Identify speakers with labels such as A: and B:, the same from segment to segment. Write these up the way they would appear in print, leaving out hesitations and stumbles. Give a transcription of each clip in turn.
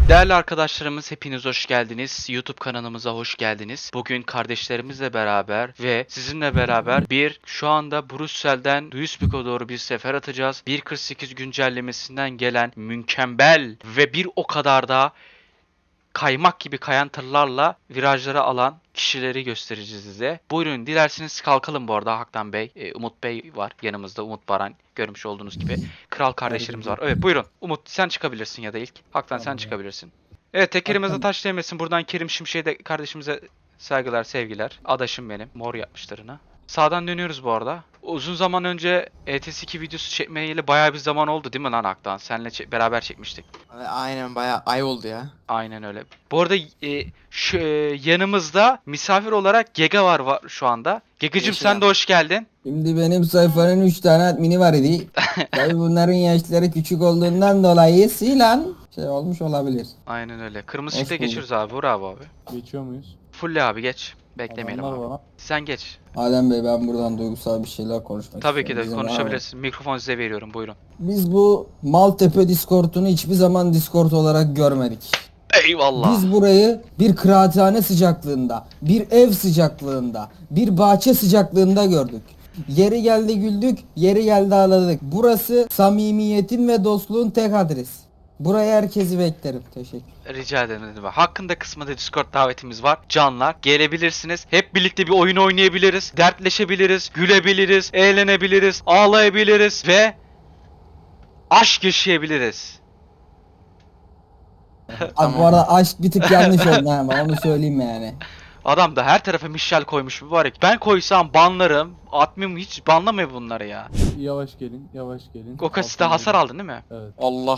A: Değerli arkadaşlarımız hepiniz hoş geldiniz. YouTube kanalımıza hoş geldiniz. Bugün kardeşlerimizle beraber ve sizinle beraber şu anda Brüksel'den Duisburg'a doğru bir sefer atacağız. 1.48 güncellemesinden gelen mükemmel ve bir o kadar da kaymak gibi kayan tırlarla virajları alan kişileri göstereceğiz size. Buyurun dilerseniz kalkalım bu arada Haktan Bey. Umut Bey var yanımızda, Umut Baran görmüş olduğunuz gibi. Kral kardeşlerimiz var. Evet buyurun. Umut sen çıkabilirsin ya da ilk. Haktan sen
B: Tamam ya.
A: çıkabilirsin. Evet tekerimize
B: Hakan,
A: taş değmesin. Buradan Kerim Şimşek'e de kardeşimize saygılar sevgiler. Adaşım benim. Mor yapmışlarına. Sağdan dönüyoruz bu arada. Uzun zaman önce ETS2 videosu çekmeyeli bayağı bir zaman oldu değil mi lan Haktan? Seninle beraber çekmiştik.
C: Aynen bayağı ay oldu ya.
A: Aynen öyle. Bu arada yanımızda misafir olarak Gega var şu anda. Gegacım
C: Yeşil
A: sen de
C: abi.
A: hoş geldin.
B: şimdi benim sayfanın 3 tane admini var idi. Tabi bunların yaşları küçük olduğundan dolayı silan şey olmuş olabilir.
A: Aynen öyle. Kırmızı
B: Hoş
A: ışıkta
B: bulduk.
A: geçiyoruz abi. Bravo abi.
D: Geçiyor muyuz?
A: Fulle abi geç. Beklemeyelim
D: Adamlar
A: abi.
D: var.
A: Sen geç.
B: Adem Bey ben buradan duygusal bir şeyler konuşmak
A: Tabii ki
B: istiyorum.
A: de
B: İzin var mı?
A: konuşabilirsin. Mikrofon size veriyorum. Buyurun.
B: Biz bu Maltepe Discord'unu hiçbir zaman Discord olarak görmedik.
A: Eyvallah.
B: Biz burayı bir kıraathane sıcaklığında, bir ev sıcaklığında, bir bahçe sıcaklığında gördük. Yeri geldi güldük, yeri geldi ağladık. Burası samimiyetin ve dostluğun tek adresi. Buraya herkesi beklerim. Teşekkür.
A: Rica ederim. Ne demek. Hakkında kısmında Discord davetimiz var. Canlar gelebilirsiniz. Hep birlikte bir oyun oynayabiliriz. Dertleşebiliriz. Gülebiliriz. Eğlenebiliriz. Ağlayabiliriz. Ve aşk yaşayabiliriz.
B: Abi bu arada aşk bir tık yanlış oldu ha, ben onu söyleyeyim yani.
A: Adam da her tarafa Michel koymuş mübarek. Ben koysam banlarım. Admin hiç banlamıyor bunları ya.
D: Yavaş gelin, yavaş gelin.
A: Gokasit'te
D: Altına
A: hasar
D: gelin.
A: aldın değil mi?
D: Evet.
C: Allah.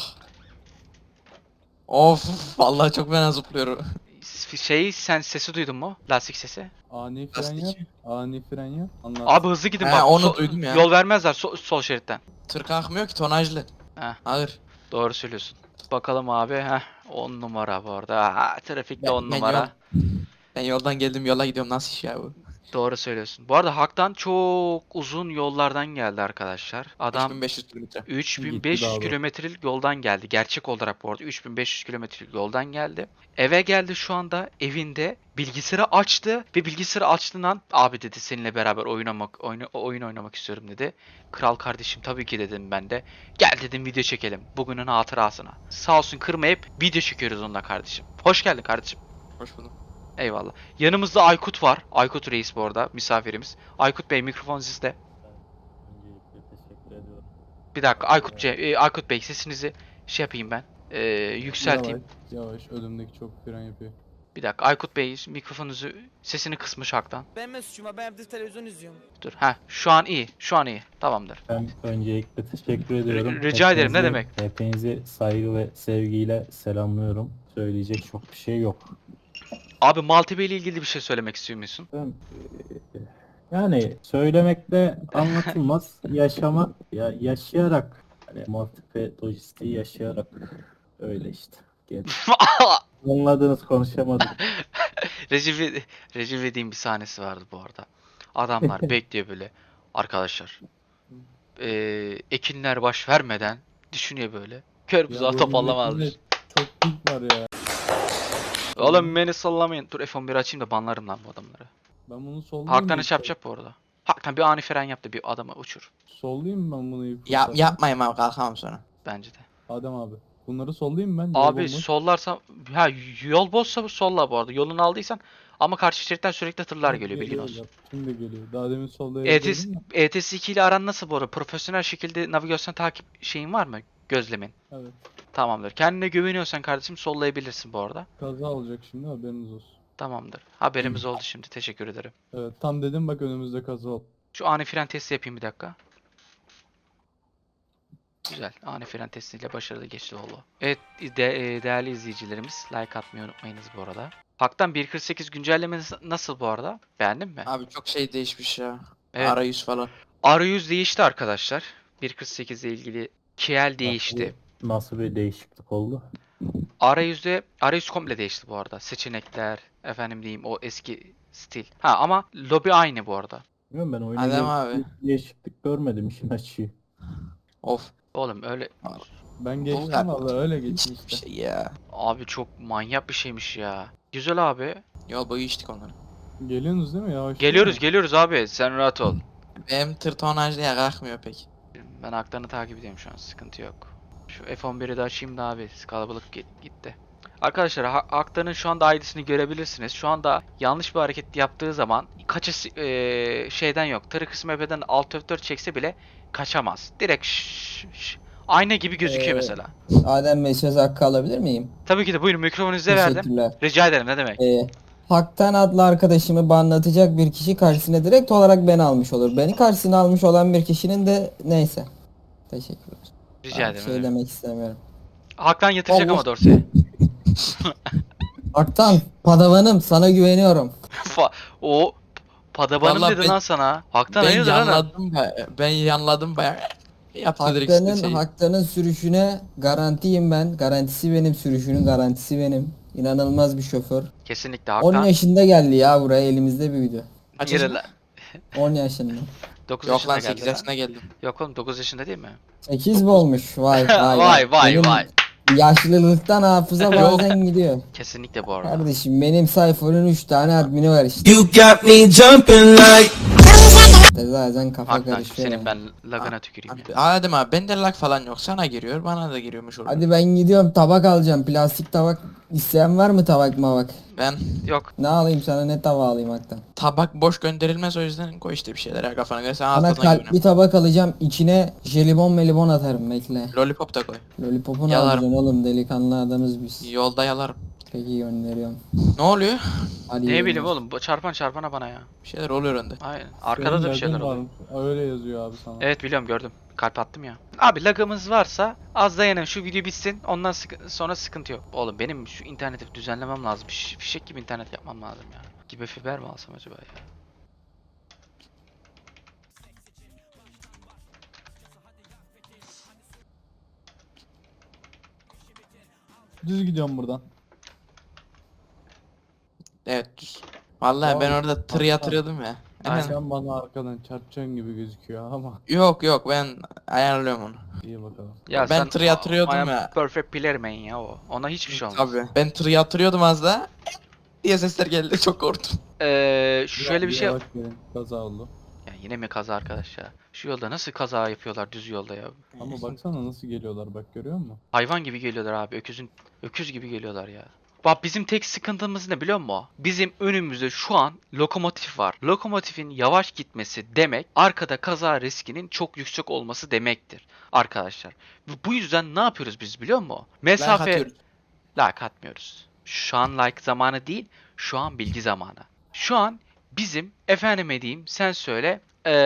C: Of vallahi çok fena zıplıyor.
A: Sen sesi duydun mu? Lastik sesi.
D: Ani fren
C: Lastik.
D: yap. Ani fren yap. Anlat.
A: Abi hızlı gidin
C: He,
A: bak.
C: onu duydum ya.
A: Yol vermezler sol şeritten.
C: Tır kalkmıyor ki tonajlı.
A: Heh.
C: Ağır.
A: Doğru söylüyorsun. Bakalım abi. Heh. 10 numara bu arada. Ha, trafikte 10 numara.
C: Ben yoldan geldim yola gidiyorum nasıl iş ya bu?
A: Doğru söylüyorsun. Bu arada Hak'tan çok uzun yollardan geldi arkadaşlar. Adam
C: 3500 kilometre.
A: 3500
D: Gitti daha da.
A: kilometrelik yoldan geldi. Gerçek olarak bu arada 3500 kilometrelik yoldan geldi. Eve geldi şu anda evinde bilgisayarı açtı ve bilgisayarı açtığından abi dedi seninle beraber oyun oynamak istiyorum dedi. Kral kardeşim tabii ki dedim ben de. Gel dedim video çekelim bugünün hatırasına. Sağ olsun kırmayıp video çekiyoruz onunla kardeşim. Hoş geldin kardeşim.
C: Hoş bulduk.
A: Eyvallah. Yanımızda Aykut var. Aykut Reis bu arada misafirimiz. Aykut Bey mikrofon sizde.
D: Öncelikle teşekkür ediyorum.
A: Bir dakika Aykut Bey sesinizi şey yapayım ben. Yükselteyim.
D: Yavaş, yavaş. Önümdeki çok fren yapıyor.
A: Bir dakika Aykut Bey mikrofonunuzu sesini kısmış Hak'tan.
E: Ben suçuma ben evde televizyon izliyorum.
A: Dur. Ha şu an iyi. Şu an iyi. Tamamdır.
F: Ben öncelikle teşekkür ediyorum.
A: Rica ederim, ne
F: Hepinizi-
A: demek.
F: Hepinizi saygı ve sevgiyle selamlıyorum. Söyleyecek çok bir şey yok.
A: Abi Maltepe ile ilgili bir şey söylemek istiyor musun?
F: Ben, yani söylemekle anlatılmaz. Yaşamak, yaşayarak, hani Maltepe lojistiği yaşayarak öyle işte. Anladınız, konuşamadım.
A: Recep İvedik'in bir sahnesi vardı bu arada. Adamlar bekliyor böyle. Arkadaşlar. Ekinler baş vermeden düşünüyor böyle. Kör buzağı
D: bu
A: toparlamazmış.
D: milletin de Çok pink var ya.
A: Oğlum beni sallamayın. Dur F11 açayım da banlarım lan bu adamları.
D: Ben bunu sollayayım
A: Haktan
D: mı
A: iş
D: ilk
A: yapacak bu arada. Haktan bir ani fren yaptı bir adamı uçur.
D: Sollayayım mı ben bunu ilk
C: Ya,
D: fırsatta?
C: yapmayayım abi kalkamam sonra.
A: Bence de.
D: Adem abi. Bunları sollayayım mı ben? Yol
A: Abi
D: bomboş.
A: sollarsa ha yol bozsa solla bu arada. Yolunu aldıysan ama karşı şeritten sürekli tırlar geliyor bilgin olsun.
D: Bak, şimdi geliyor. Daha demin solda
A: ETS,
D: yazıyordum ya.
A: ETS2 ile aran nasıl bu arada? Profesyonel şekilde navigasyon takip şeyin var mı? Gözlemin.
D: Evet.
A: Tamamdır. Kendine güveniyorsan kardeşim sollayabilirsin bu arada.
D: Kaza olacak şimdi haberiniz olsun.
A: Tamamdır. Haberimiz oldu şimdi. Teşekkür ederim.
D: Evet tam dedim bak önümüzde kaza oldu.
A: Şu ani fren testi yapayım bir dakika. Güzel. Ani fren testiyle başarılı geçti oldu. Evet değerli izleyicilerimiz like atmayı unutmayınız bu arada. Hak'tan 1.48 güncellemesi nasıl bu arada? Beğendin mi?
C: Abi çok şey değişmiş ya.
A: Evet.
C: Arayüz falan.
A: Arayüz değişti arkadaşlar. 1.48 ile ilgili KL değişti.
F: Nasıl bir değişiklik oldu?
A: Arayüz komple değişti bu arada. Seçenekler, efendim diyeyim o eski stil. Ha ama lobi aynı bu arada.
F: Bilmiyorum, ben oyuna
C: Adem abi.
F: değişiklik görmedim işin açığı.
C: Of.
A: Oğlum öyle
D: Ben geçtim
C: kadar.
D: valla öyle geçtim
C: Bir
D: işte.
C: şey ya.
A: Abi çok manyak bir şeymiş ya. Güzel abi.
C: Yol boyu içtik onları.
D: Geliyorsunuz değil mi? Yavaş
A: Geliyoruz abi. Sen rahat ol.
C: Benim tır tonajlı ya kalkmıyor pek.
A: Ben haklarını takip ediyorum şu an. Sıkıntı yok. Şu F11'i de açayım da abi. Kalabalık gitti. Arkadaşlar Haktan'ın şu anda ID'sini görebilirsiniz. Şu anda yanlış bir hareket yaptığı zaman kaçış şeyden yok. Tırı kısmı F'den Alt F4 çekse bile kaçamaz. Direkt ayna gibi gözüküyor mesela.
B: Adem Bey söz hakkı alabilir miyim?
A: Tabii ki de buyurun mikrofonu size verdim.
B: Teşekkürler.
A: Rica ederim ne demek.
B: Haktan adlı arkadaşımı banlatacak bir kişi karşısına direkt olarak beni almış olur. Beni karşısına almış olan bir kişinin de neyse. Teşekkürler.
A: Rica
B: Ben
A: ederim.
B: şey
A: ne demek.
B: demek istemiyorum.
A: Haktan yatıracak
B: Allah.
A: ama Dorsey'e.
B: Haktan, padavanım sana güveniyorum.
A: O Padabanım
C: Vallahi
A: dedi
C: ben-
A: lan sana. Haktan
C: Ben
A: hayırdır lan?
C: yanladım ben yanladım baya. Yaptı direkt
B: Haktanın,
C: şeyi.
B: Haktanın sürüşüne garantiyim ben. Garantisi benim, sürüşünün garantisi benim. İnanılmaz bir şoför.
A: Kesinlikle
B: 10
A: Haktan.
B: yaşında geldi ya buraya, elimizde büyüdü.
C: Kaç
A: Yürü
C: yaşında?
A: lan.
B: 10 yaşında.
A: 9
C: Yok
A: yaşında
C: lan
A: geldi
C: 8
A: lan.
C: yaşına geldim.
A: Yok oğlum 9 yaşında değil mi?
B: 8 mi olmuş? Vay vay
A: Vay, vay,
B: Benim
A: vay.
B: Yaşlılıktan hafıza bazen gidiyor.
A: Kesinlikle bu arada.
B: Kardeşim benim sayfanın 3 tane admini var işte.
G: You got me jumping like.
B: Zaten kafa
A: Haktan
B: karışıyor.
A: senin
B: yani.
A: ben lagına tüküreyim ya.
C: Adem abi bende lag falan yok. Sana giriyor bana da giriyormuş orada.
B: Hadi ben gidiyorum, tabak alacağım. Plastik tabak isteyen var mı, tabak mabak?
C: Ben
A: Yok.
B: Ne alayım sana, ne tava alayım Haktan?
C: tabak boş gönderilmez o yüzden koy işte bir şeyler ya kafana göre sen
B: Sana
C: altına
B: kalpli
C: güvene.
B: tabak alacağım. İçine jelibon melibon atarım, bekle.
C: Lollipop da koy.
B: Lollipop'unu
C: Yalarım.
B: alacaksın oğlum, delikanlı adamız biz.
C: Yolda yalarım.
B: Peki gönderiyorum.
C: Ne oluyor?
B: Hadi
A: Ne
B: gönder.
A: bileyim oğlum bu çarpana bana ya.
C: Bir şeyler oluyor önde.
A: Aynen. Arkada da bir şeyler oluyor.
D: Öyle yazıyor abi sana.
A: Evet biliyorum gördüm. Kalp attım ya. Abi lagımız varsa az dayanın şu video bitsin. Ondan sonra sıkıntı yok. Oğlum benim şu interneti düzenlemem lazım. Fişek gibi internet yapmam lazım ya. Gibi fiber mi alsam acaba ya?
D: Düz gidiyorum buradan.
C: Evet düz. Vallahi ben
D: Tamam.
C: orada tır yatırıyordum ya.
A: Aynen.
C: Hemen.
D: Sen bana arkadan çarpacaksın gibi gözüküyor ama
C: Yok ben ayarlıyorum onu.
D: iyi bakalım.
A: Ya
C: Ben
A: sen
C: tır yatırıyordum
A: I am
C: ya.
A: Perfect player man ya o. Ona hiçbir şey olmaz.
C: Tabii. Ben tır yatırıyordum az da diye sesler geldi çok korktum.
A: Şöyle bir şey.
D: Yavaş gelin, kaza oldu.
A: Ya yine mi kaza arkadaş ya? Şu yolda nasıl kaza yapıyorlar düz yolda ya?
D: Ama baksana nasıl geliyorlar bak görüyor musun?
A: Hayvan gibi geliyorlar abi. Öküz gibi geliyorlar ya. Bak bizim tek sıkıntımız ne biliyor musun? Bizim önümüzde şu an lokomotif var. Lokomotifin yavaş gitmesi demek arkada kaza riskinin çok yüksek olması demektir arkadaşlar. Bu yüzden ne yapıyoruz biz biliyor musun? Mesafe
C: atıyoruz.
A: like atmıyoruz. Şu an like zamanı değil, şu an bilgi zamanı. Şu an bizim efendime diyeyim sen söyle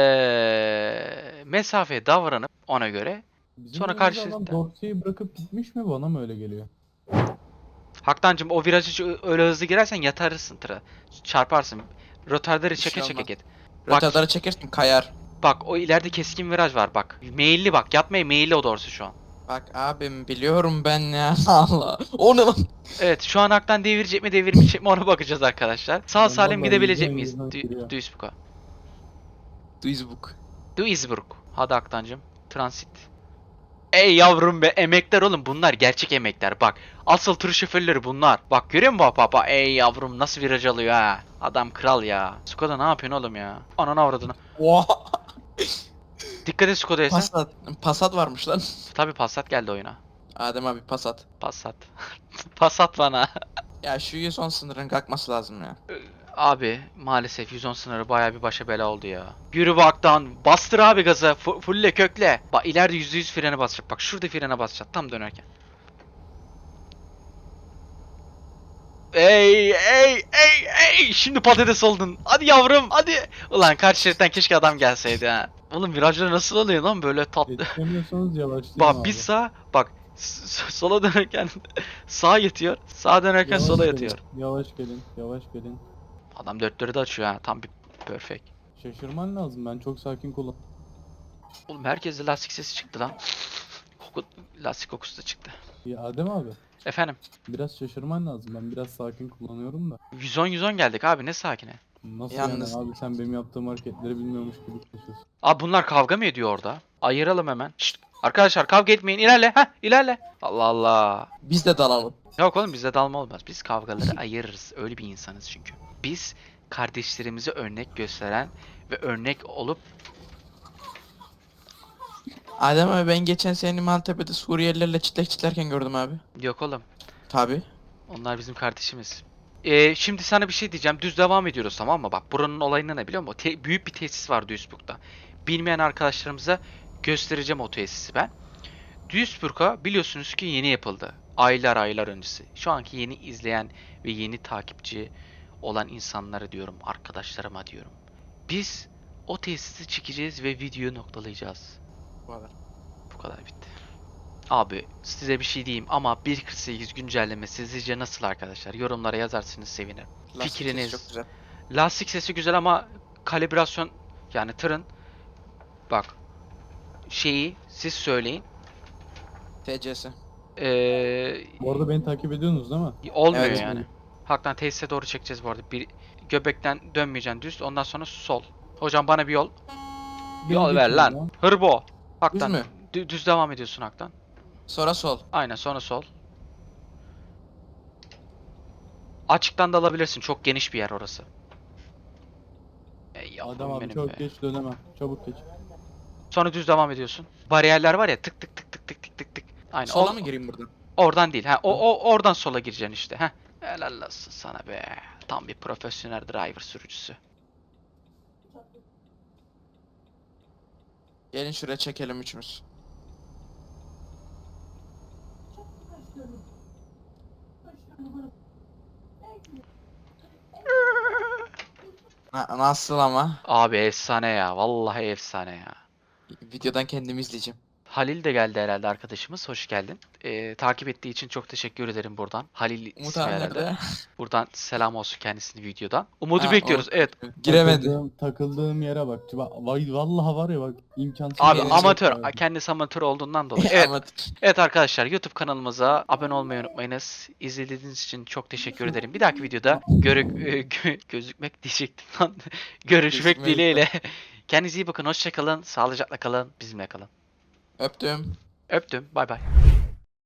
A: mesafeye davranıp ona göre
D: Bizim
A: Sonra
D: önümüzde adam
A: karşılıklı.
D: Dorsey'i bırakıp gitmiş mi bana mı öyle geliyor?
A: Haktancığım o virajı öyle hızlı girersen yatarırsın tıra. Çarparsın. Rotarları
C: Bir şey
A: çeke çeke
C: olmaz.
A: git. Bak,
C: Rötarları çekersin kayar.
A: bak o ileride keskin viraj var bak. Meyilli bak. Yatmaya meyilli o doğrusu şu an.
C: Bak abim biliyorum ben ya. Allah. O ne lan?
A: Evet şu an Haktan devirecek mi devirmeyecek mi ona bakacağız arkadaşlar. Sağ
D: Ben
A: salim
D: vallahi
A: gidebilecek
D: yüzden
A: miyiz?
D: yüzden giriyor.
A: Duisburg'a.
C: Duisburg.
A: Duisburg. Hadi Haktancığım. Transit. Ey yavrum be emekler oğlum bunlar gerçek emekler bak. Asıl tır şoförleri bunlar. Bak görüyor musun baba? Ey yavrum nasıl viraj alıyor ha. Adam kral ya. Skoda ne yapıyorsun oğlum ya? Ananı avradını.
C: Oha.
A: Dikkat et Skoda'ya sen.
C: Passat. Passat varmış lan.
A: Tabi Passat geldi oyuna.
C: Adem abi Passat.
A: Passat. Passat bana.
C: Ya şu 110 sınırın kalkması lazım ya.
A: Abi maalesef 110 sınırı baya bir başa bela oldu ya. Yürü baktan bastır abi gazı fulle kökle. Bak ileride %100 frene basacak bak şurada frene basacak tam dönerken. Ey şimdi patates oldun. Hadi yavrum hadi. Ulan karşı şeritten keşke adam gelseydi ha. Oğlum virajlar nasıl oluyor lan böyle tatlı.
D: Yetişemiyorsanız yavaşlayın
A: Bak
D: abi.
A: bir sağ bak sola dönerken sağa yatıyor. Sağa dönerken
D: Yavaş
A: sola
D: gelin,
A: yatıyor.
D: Yavaş gelin, yavaş gelin.
A: Adam dörtleri de açıyor ha tam bir perfect.
D: Şaşırman lazım ben çok sakin kullan.
A: Oğlum herkeste lastik sesi çıktı lan. Lastik kokusu da çıktı.
D: Ya Adem abi
A: Efendim
D: biraz şaşırman lazım ben biraz sakin kullanıyorum da.
A: 110 geldik abi ne sakine.
D: Nasıl
C: Yalnız-
D: yani abi sen benim yaptığım hareketleri bilmiyormuş gibi konuşuyorsun.
A: Abi bunlar kavga mı ediyor orada? Ayıralım hemen. Şşt, Arkadaşlar kavga etmeyin. İlerle. Heh ilerle. Allah Allah.
C: Biz de dalalım.
A: Yok oğlum bizde dalma olmaz. Biz kavgaları ayırırız. Öyle bir insanız çünkü. Biz kardeşlerimize örnek gösteren ve örnek olup
C: Adem abi ben geçen seni Maltepe'de Suriyelilerle çitlek çitlerken gördüm abi.
A: yok oğlum.
C: Tabi.
A: Onlar bizim kardeşimiz. Şimdi sana bir şey diyeceğim. Düz devam ediyoruz tamam mı? Bak buranın olayını ne biliyor musun? Büyük bir tesis var Duisburg'da. Bilmeyen arkadaşlarımıza göstereceğim o tesisi ben. Duisburg'a biliyorsunuz ki yeni yapıldı. Aylar öncesi. Şu anki yeni izleyen ve yeni takipçi olan insanlara diyorum, arkadaşlarıma diyorum. Biz o tesisi çekeceğiz ve videoyu noktalayacağız.
C: Bu kadar.
A: Bu kadar bitti. Abi size bir şey diyeyim ama 1.48 güncellemesi sizce nasıl arkadaşlar? Yorumlara yazarsınız sevinirim.
C: Lastik
A: Fikriniz.
C: sesi çok güzel.
A: Lastik sesi güzel ama kalibrasyon yani tırın bak şeyi siz söyleyin.
C: TC'si.
D: Bu arada beni takip ediyorsunuz değil mi?
A: Olmuyor
C: Evet.
A: yani. Hakikaten tesise doğru çekeceğiz bu arada. Bir göbekten dönmeyeceksin düz. Ondan sonra sol. Hocam bana bir yol. Yol
D: Beni
A: ver
D: geçiyorum
A: lan.
D: ya.
A: Hırbo. Haktan.
C: mü?
A: Düz devam ediyorsun haktan.
C: Sonra sol.
A: Aynen sonra sol. Açıktan da alabilirsin. Çok geniş bir yer orası. Ey yavrum
D: Adam abi
A: benim
D: çok
A: be.
D: geç dönemem. Çabuk geç.
A: Sonra düz devam ediyorsun. Bariyerler var ya tık tık tık tık tık tık tık tık. Aynen.
C: Sola mı gireyim buradan?
A: Oradan değil. Ha oradan sola gireceksin işte. Ha. Helal olsun sana be. Tam bir profesyonel driver sürücüsü.
C: Gelin şuraya çekelim üçümüz. Nasıl ama?
A: Abi efsane ya. Vallahi efsane ya.
C: Videodan kendimi izleyeceğim.
A: Halil de geldi herhalde arkadaşımız. Hoş geldin. Takip ettiği için çok teşekkür ederim buradan. Halil
C: Umut
A: ismi
C: abi
A: herhalde.
C: nerede?
A: Buradan selam olsun kendisini videodan. Umut'u
C: Ha,
A: bekliyoruz.
C: o-
A: Evet.
C: Giremedi.
D: Takıldığım yere bak. Vallahi var ya bak imkansız.
A: Abi
C: gelecek
A: amatör.
D: abi.
A: Kendisi amatör olduğundan dolayı. Evet.
C: Ama
A: Evet arkadaşlar YouTube kanalımıza abone olmayı unutmayınız. İzlediğiniz için çok teşekkür ederim. Bir dahaki videoda gözükmek diyecektim lan. Görüşmek
C: Gözükmek.
A: dileğiyle. Kendinize iyi bakın. Hoşça kalın. Sağlıcakla kalın. Bizimle kalın.
C: öptüm.
A: Öptüm. Bay bay.